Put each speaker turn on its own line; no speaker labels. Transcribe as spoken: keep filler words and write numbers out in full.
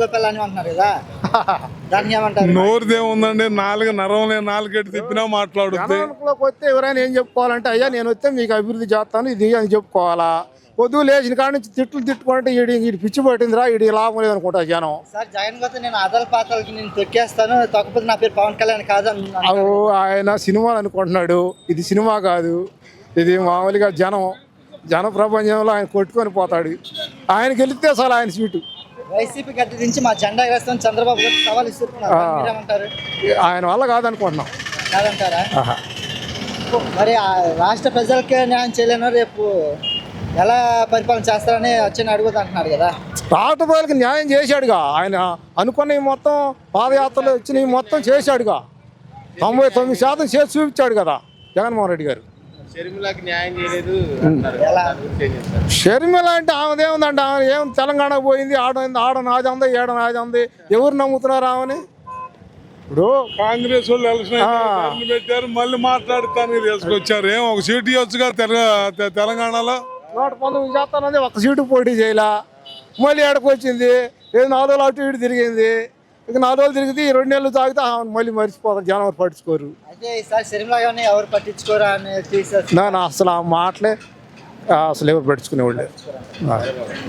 మూగ పిల్ల అని అంటున్నారు కదా, దాన్ని ఏమంటారు?
నోరుదే ఉందండి, నాలుగు నరం లేని నాలుగెట్టి తిప్పినా మాట్లాడుతుంది.
జనంలోకి వస్తే ఎవరైనా ఏం చెప్పుకోవాలంటే, అయ్యా నేను వస్తే మీకు అభివృద్ధి చేస్తాను ఇది అని చెప్పుకోవాలా. పొద్దు లేచిన కాడ నుంచి తిట్లు తిట్టుకుంటే ఈడి ఈడి పిచ్చి పట్టిందిరా, ఈడి లాభం లేదనుకుంటా జనం.
సార్ జగన్ పోతే నేను అదల పాత్రలకి నేను తొక్కేస్తాను, తొక్కపోతే నా పేరు పవన్ కళ్యాణ్ కాదు అని
అవు ఆయన సినిమాలు అనుకుంటున్నాడు, ఇది సినిమా కాదు, ఇది మామూలుగా జనం జన ప్రపంచంలో ఆయన కొట్టుకొని పోతాడు. ఆయనకి వెళితే అసలు ఆయన సీటు.
వైసీపీ గద్దె దించి మా జెండా ఎగరేస్తాం చంద్రబాబు గారు సవాల్ ఇస్తున్నారు, మీరేమంటారు?
ఆయన వల్ల కాదనుకుంటున్నాం.
కాదంటారా? మరి ఆ రాష్ట్ర ప్రజలకే న్యాయం చేయలేను, రేపు ఎలా పరిపాలన చేస్తారని వచ్చి అడుగుతా అంటున్నారు కదా.
రాష్ట్ర ప్రజలకు న్యాయం చేశాడుగా ఆయన, అనుకున్నవి మొత్తం పాదయాత్రలు వచ్చినవి మొత్తం చేశాడుగా, తొంభై తొమ్మిది శాతం చేసి చూపించాడు కదా జగన్మోహన్ రెడ్డి గారు.
షర్మిలకి న్యాయం చేయలేదు.
ఎలా?
షర్మిల అంటే ఆమెదేముందంటే, ఆమె ఏం తెలంగాణకు పోయింది, ఆడ ఆడ నాది ఉంది, ఏడ నాది ఉంది, ఎవరు నమ్ముతున్నారు ఆమెని? ఇప్పుడు
కాంగ్రెస్ వాళ్ళు ఎలక్షన్ పెట్టారు, మళ్ళీ మాట్లాడుతాను తీసుకొచ్చారు. ఏం ఒక సీటు ఇవ్వచ్చుగా తెల- తెలంగాణలో.
నూట పంతొమ్మిది చేస్తానది ఒక సీటు పోటీ చేయలే, మళ్ళీ ఏడకు వచ్చింది, ఏదో నాలుగు రోజులు అటు ఇటు తిరిగింది. ఇక నాలుగు రోజులు తిరిగితే ఈ రెండు నెలలు తాగితే ఆమెను మళ్ళీ మర్చిపోతారు, జనం ఎవరు పట్టించుకోరు.
అయితే ఈసారి షర్మిల గారిని ఎవరు పట్టించుకోరా అని తీసేస్తారు.
నా అసలు ఆ మాటలే అసలు ఎవరు పట్టించుకునేవాళ్ళు.